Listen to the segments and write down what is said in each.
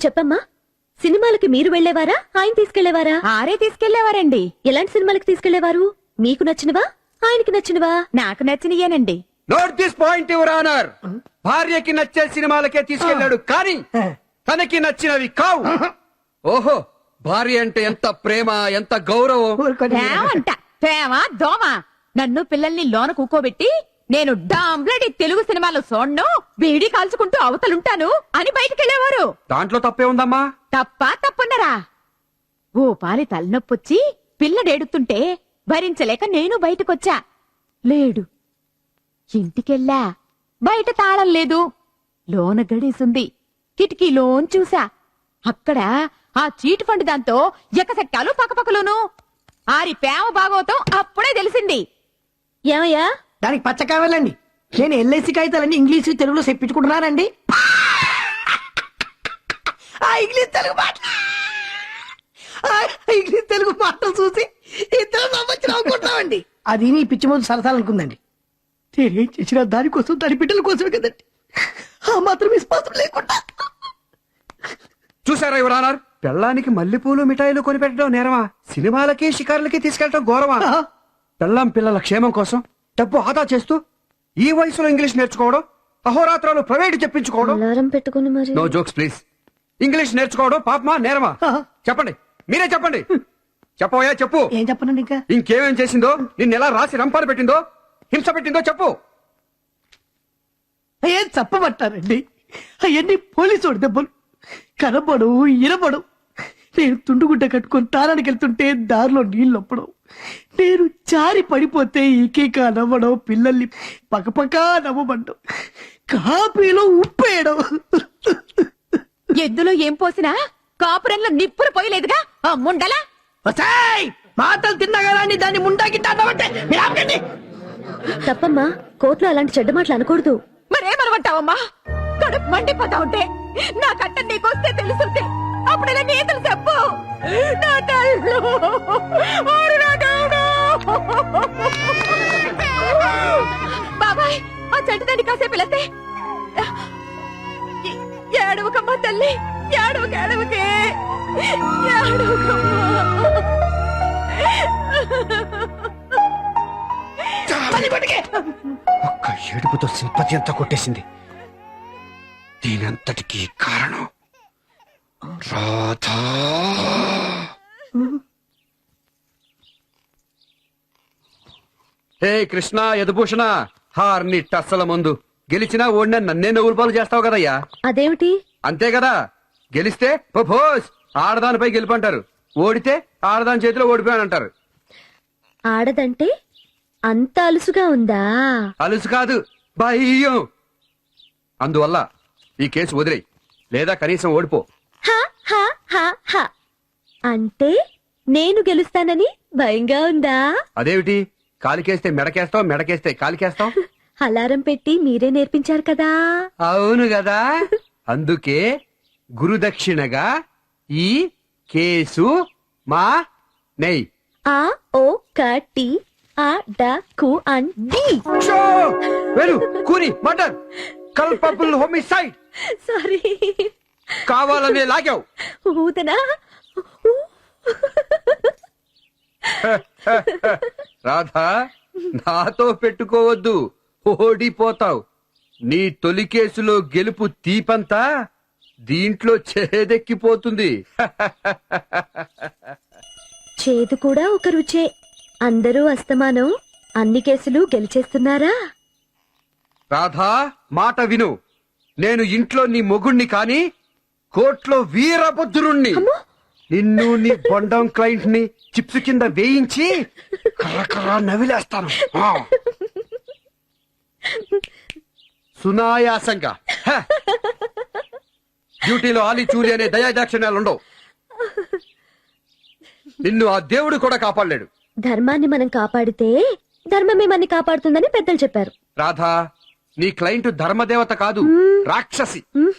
చెప్పమ్మా, సినిమాలకి మీరు వెళ్లేవారా, ఆయన తీసుకెళ్లేవారా? ఆరే తీసుకెళ్లేవారండి. ఎలాంటి సినిమాలకి తీసుకెళ్లేవారు? మీకు నచ్చినవా, ఆయనకి నచ్చినవా? నాకు నచ్చినయేనండి. Note this point your honour. భార్యకి నచ్చే సినిమాలకే తీసుకెళ్లాడు, కానీ తనకి నచ్చినవి కావు. ఓహో, భార్య అంటే ఎంత ప్రేమ, ఎంత గౌరవం. ప్రేమంట ప్రేమ దోమ. నన్ను పిల్లల్ని లోన కూకోబెట్టి నేను డాంబ్లడి తెలుగు సినిమాలో చూడను, బీడీ కాల్చుకుంటూ అవతలుంటాను అని బయటికెళ్లేవారు. దాంట్లో తప్పే ఉందమ్మా? తప్పున్నరా? ఓ పాలి తలనొప్పొచ్చి పిల్లడేడుతుంటే భరించలేక నేను బయటకొచ్చా. లేడు. ఇంటికెళ్ళా. బయట తాళం లేదు. లోన గడేసుంది. కిటికీలోన్ చూసా. అక్కడ ఆ చీట్ ఫండ్ దాంతో ఎకసెట్టాలు పక్కపక్కలోను. ఆరి ప్రేమ భాగవతం అప్పుడే తెలిసింది. ఏమయ్యా? దానికి పచ్చ కావాలండి. నేను ఎల్ఐసి కాగితాలన్నీ ఇంగ్లీష్ తెలుగులో చెప్పించుకుంటున్నానండి. ఇంగ్లీష్ తెలుగు మాటలు చూసి ఇద్దరు నవ్వుకుంటున్నామండి. అది నీ పిచ్చి ముందు సరసాలనుకుందండి. నేనేం చేసినా దానికోసం, దాని బిడ్డల కోసమే కదండి. ఆ మాత్రం విశ్వాసం లేకుండా. చూసారా యువర్ ఆనర్, పెళ్ళానికి మల్లెపూలు మిఠాయిలు కొనిపెట్టడం నేరమా, సినిమాలకి షికారులకి తీసుకెళ్లడం గౌరవమా? పెళ్ళాం పిల్లల క్షేమం కోసం డబ్బు ఆదా చేస్తూ ఈ వయసులో ఇంగ్లీష్ నేర్చుకోవడం, అహోరాత్రాలు ప్రైవేట్ చెప్పించుకోవడం. అలారం పెట్టుకుని మరి. No jokes please. ఇంగ్లీష్ నేర్చుకోవడం పాపమా నేరమా? చెప్పండి, మీరే చెప్పండి. చెప్పవయ్యా, చెప్పు. ఏం చెప్పనండి ఇంకా? ఇంకేమేం చేసిందో, నిన్నెలా రాసి రంపాలు పెట్టిందో, హింస పెట్టిందో చెప్పు. ఏం చెప్పమంటారండి? అవన్నీ పోలీసు దెబ్బలు. కనబడు, ఇనబడు. నేను తుండుగుడ్డ కట్టుకుని తారానికి వెళ్తుంటే దారిలో నీళ్ళు నొప్పడం, నేను జారి పడిపోతే ఈకేక నవ్వడం, పిల్లల్ని పక్కపక్క నవ్వబడ్డం, కాపీలో ఉప్పేయడం. ఎద్దులో ఏం పోసినా కాపురంలో నిప్పులు పోయలేదుగా ఆ ముండలా. మాటలు తిన్నా కదా అని దాన్ని ముండాకిట్టామంటే తప్పమ్మా, కోర్టులో అలాంటి చెడ్డ మాటలు అనకూడదు. మరేమనమంటావమ్మా? కడుపు మండిపోతా ఉంటే నా కట్ట నీకొస్తే తెలుసుంటే అప్పుడెలా నీతులు చెప్పు. నా తల్లు, ఓరి నా దేవుడు. బాబాయ్, ఆ చెట్టు తండ్రి కాసేపు వెళతే ఏడవకమ్మా తల్లి, ఏడవకే ఏడవకమ్మా. ఒక్క ఏడుపుతో సింపతి అంతా కొట్టేసింది. దీనంతటికీ కారణం రాధా. హే కృష్ణ యదుభూషణ, హార్ని టస్సల ముందు గెలిచినా ఓడినా నన్నే నవ్వులు పాలు చేస్తావు కదయ్యా. అదేమిటి? అంతే కదా, గెలిస్తే ప్రపోజ్ ఆడదానిపై గెలుపంటారు, ఓడితే ఆడదాని చేతిలో ఓడిపోయానంటారు. ఆడదంటే అంత అలుసుగా ఉందా? అలుసు కాదు, భయం. అందువల్ల ఈ కేసు వదిలేయి, లేదా కనీసం ఓడిపో. హా, హా, హా, హా. అంటే నేను గెలుస్తానని భయంగా ఉందా? అదేమిటి, కాలికేస్తే మెడకేస్తావు, మెడకేస్తే కాలికేస్తావు. అలారం పెట్టి మీరే నేర్పించారు కదా. అవును కదా, అందుకే గురుదక్షిణగా ఈ కేసు మా నెయ్యి. ఆ ఓ కటి ఆ డ కు అన్ డి. వెరు కూని మర్డర్, కల్పబుల్ హోమిసైడ్. సారీ, కావాలనే లాగావు. ఊదనా? రాధా, నాతో పెట్టుకోవద్దు, ఓడిపోతావు. నీ తొలి కేసులో గెలుపు తీపంతా దీంట్లో చేదెక్కిపోతుంది. చేదు కూడా ఒక రుచే. అందరూ అస్తమానం అన్ని కేసులు గెలిచేస్తున్నారా? రాధా, మాట విను. నేను ఇంట్లో నీ మొగుణ్ణి కాని కోర్టులో వీరభద్రుణ్ణి. నిన్ను నీ బొండం క్లయింట్ ని చిప్స్ కింద వేయించి కర్రకర్ర నవిలేస్తాను. సునాయాసంగా. డ్యూటీలో ఆలి చూలి అనే దయాదాక్షిణ్యాలుండవు. నిన్ను ఆ దేవుడు కూడా కాపాడలేడు. ధర్మాన్ని మనం కాపాడితే ధర్మమే మనని కాపాడుతుందని పెద్దలు చెప్పారు. రాధా, నీ క్లయింట్ ధర్మదేవత కాదు, రాక్షసి.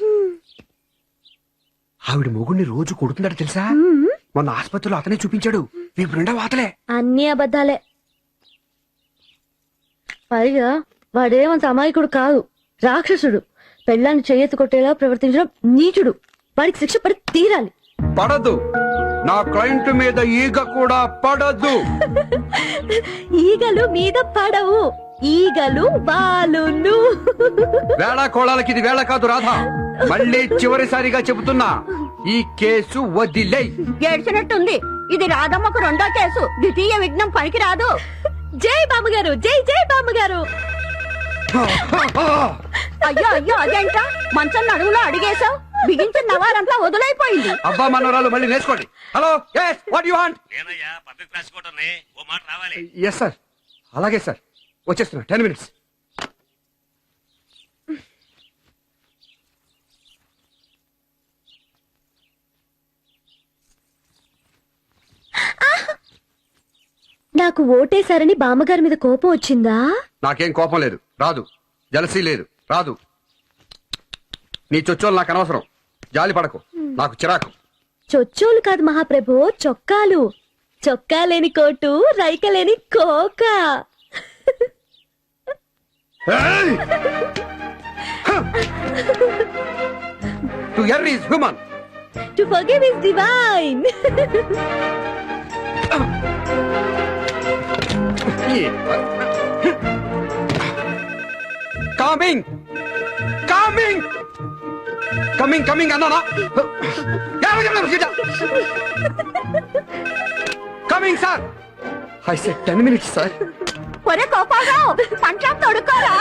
ఆవిడ మొగుడిని రోజు కొడుతున్నాడు తెలుసా? మొన్న ఆసుపత్రిలో అతనే చూపించాడు. వీపు నిండా వాతలే. అన్ని అబద్ధాలే. పైగా వాడేమంత అమాయకుడు కాదు, రాక్షసుడు. పెళ్ళాన్ని చెయ్యెత్తి కొట్టేలా ప్రవర్తించడం నీచుడు. వాడికి శిక్ష పడి తీరాలి. పడదు. నా క్లయింట్ మీద ఈగ కూడా పడదు. ఈగలు మీద పడవు, ఈగలు బాలును. వేళ కోళాలకి ఇది వేళ కాదు రాధా. మళ్ళీ చివరిసారిగా చెబుతున్నా, ఈ కేసు వదిలేయ్. ఏడ్చినట్టుంది. ఇది రాధమ్మకు రెండో కేసు. ద్వితీయ విఘ్నం పనికి రాదు. జై బామ్మగారు, జై జై బామ్మగారు. అయ్యో అయ్యో అదేంట మంచం నడుములో అడిగేశావు. బిగించిన నవారంతా వదులైపోయింది. అబ్బా మనవరాలు మళ్ళీ నేర్చుకోండి. Hello, yes, what you want? Yes sir, అలాగే సార్, వచ్చేస్తున్నా. 10 minutes. నాకు ఓటేశారని బామ్మగారి మీద కోపం వచ్చిందా? నాకేం కోపం లేదు, రాదు. జలసీ లేదు, రాదు. నీ చొచ్చోలు నాకు అనవసరం. జాలి పడకు, నాకు చిరాకు. చొచ్చోలు కాదు మహాప్రభు, చొక్కాలు. చొక్కా లేని కోటు, రైక లేని కోక. To err is human. To forgive is divine. Coming coming coming coming అన్నానా? Coming sir. I said 10 minutes sir. ఒరే కోపారావు, పంచం తొడుక్కోరా.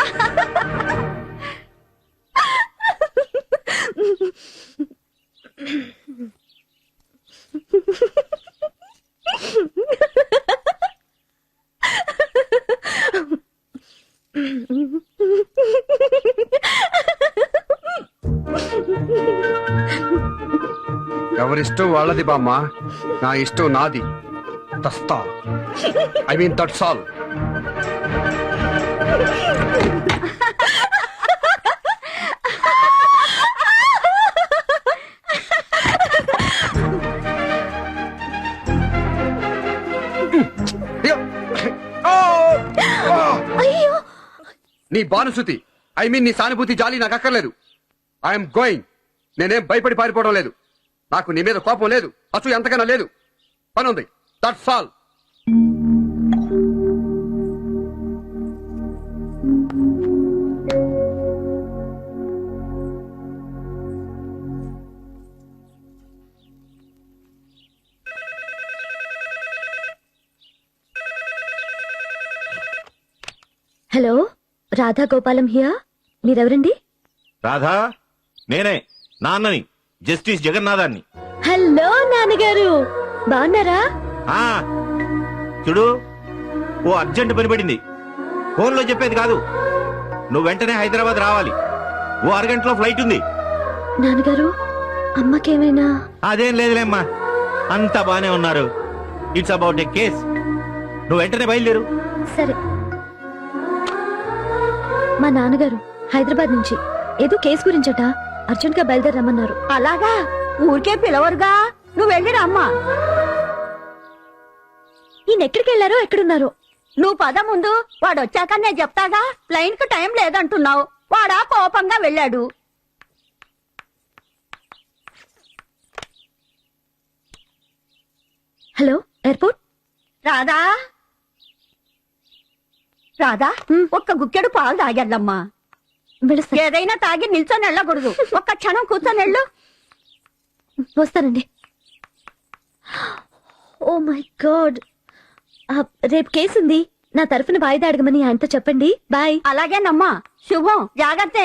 ఎవరిష్టం వాళ్ళది బామ్మ, నా ఇష్టం నాది. తస్తా, ఐ మీన్ దట్స్ ఆల్. అయ్యో, నీ బానుసుతి, ఐ మీన్ నీ సానుభూతి, జాలి నాకు అక్కర్లేదు. I'm going. నేనేం భయపడి పారిపోవడం లేదు. నాకు నీ మీద కోపం లేదు, అసలు ఎంతకన్నా లేదు. పని ఉంది, that's all. Hello, Radha Gopalam here. మీరెవరండి? రాధా, నేనే నాన్నని, జస్టిస్ జగన్నాథాన్ని. హలో నాన్నగారు, బాగున్నారా? ఆ చూడు, ఓ అర్జెంట్ పని పడింది. ఫోన్లో చెప్పేది కాదు. నువ్వు వెంటనే హైదరాబాద్ రావాలి. ఓ అరగంటలో ఫ్లైట్ ఉంది. నాన్నగారు, అమ్మకేమైనా? అదేం లేదులేమ్మా, అంతా బానే ఉన్నారు. It's about a case. నువ్వు వెంటనే బయలుదేరు. సరే. మా నాన్నగారు హైదరాబాద్ నుంచి ఏదో కేసు గురించట అర్జెంట్ గా బయలుదేరమ్మన్నారు. అలాగా, ఊరికే పిలవరుగా. నువ్వు వెళ్ళిరా అమ్మా. ఈయన ఎక్కడికి వెళ్ళారో, ఎక్కడున్నారో? నువ్వు పద ముందు. వాడు వచ్చాక నేను చెప్తాగా. ప్లైన్ కు టైం లేదంటున్నావు. వాడా కోపంగా వెళ్ళాడు. Hello, airport. రాధా, రాధా, ఒక్క గుక్కెడు పాలు తాగెళ్ళమ్మా. వెళ్ళొస్తా. ఏదైనా తాగి నిల్చొని వెళ్ళకూడదు. ఒక్క క్షణం కూర్చొని వెళ్ళు. వస్తానండి. ఓ మై గాడ్, రేపు కేసు ఉంది. నా తరఫున వాయిదా అడగమని ఆయనతో చెప్పండి. బాయ్. అలాగేనమ్మా. శుభం. జాగ్రత్త.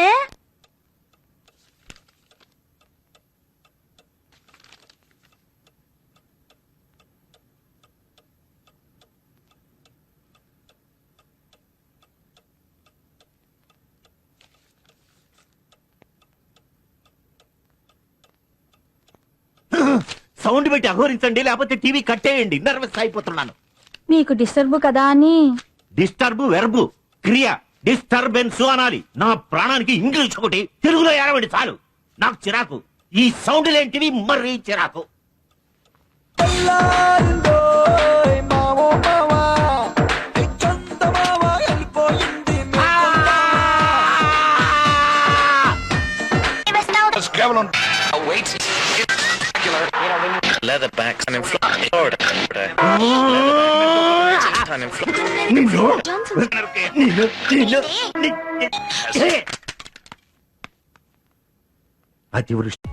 సౌండ్ పెట్టి అఘోరించండి, లేకపోతే టీవీ కట్టేయండి. నర్వస్ అయిపోతున్నాను. నీకు డిస్టర్బ్ కదా అని. డిస్టర్బ్ వెర్బు, క్రియ. డిస్టర్బెన్స్ అనాలి. నా ప్రాణానికి ఇంగ్లీష్ ఒకటి, తెలుగులో ఏడవండి చాలు. నాకు చిరాకు. ఈ సౌండ్ లేంటివి మరీ చిరాకు. కేవలం leatherbacks and in Florida. And in Florida. అతివృష్టి